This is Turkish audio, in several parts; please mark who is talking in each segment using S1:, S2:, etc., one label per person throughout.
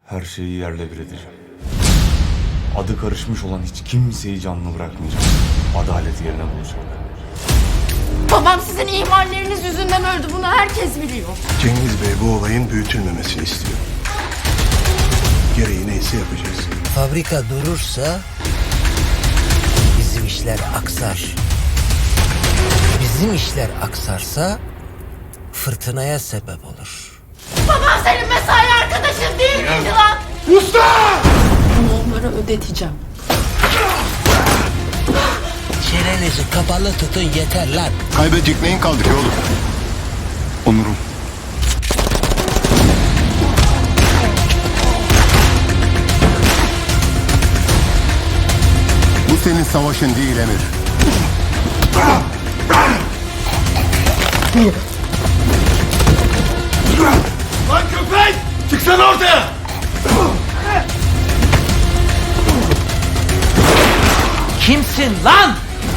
S1: Her şeyi yerle bir edeceğim. Adı karışmış olan hiç kimseyi canlı bırakmayacağım. Adalet yerine bulacağım.
S2: Babam sizin ihmalleriniz yüzünden öldü. Bunu herkes biliyor.
S3: Cengiz Bey bu olayın büyütülmemesini istiyor. Gereği neyse yapacağız.
S4: Fabrika durursa bizim işler aksar. Bizim işler aksarsa fırtınaya sebep olur.
S2: Babam senin mesai arkadaşın değil miydi lan? Bunu onlara ödeteceğim.
S4: Çenenizi kapalı tutun yeter lan.
S3: Kaybedecek neyin kaldı ki oğlum?
S1: Onurum.
S3: Bu senin savaşın değil Emir.
S5: Lan köpek! Çıksana ortaya!
S4: Kimsin lan?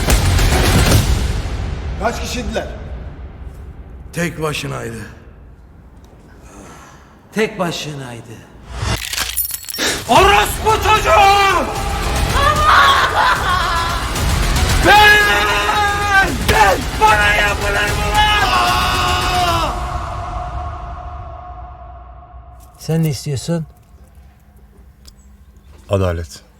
S5: Kaç kişiydiler?
S3: Tek başınaydı.
S4: Tek başınaydı. Orospu çocuğu! Ben! Bana yapılır mı lan? Sen ne istiyorsun?
S1: Adalet.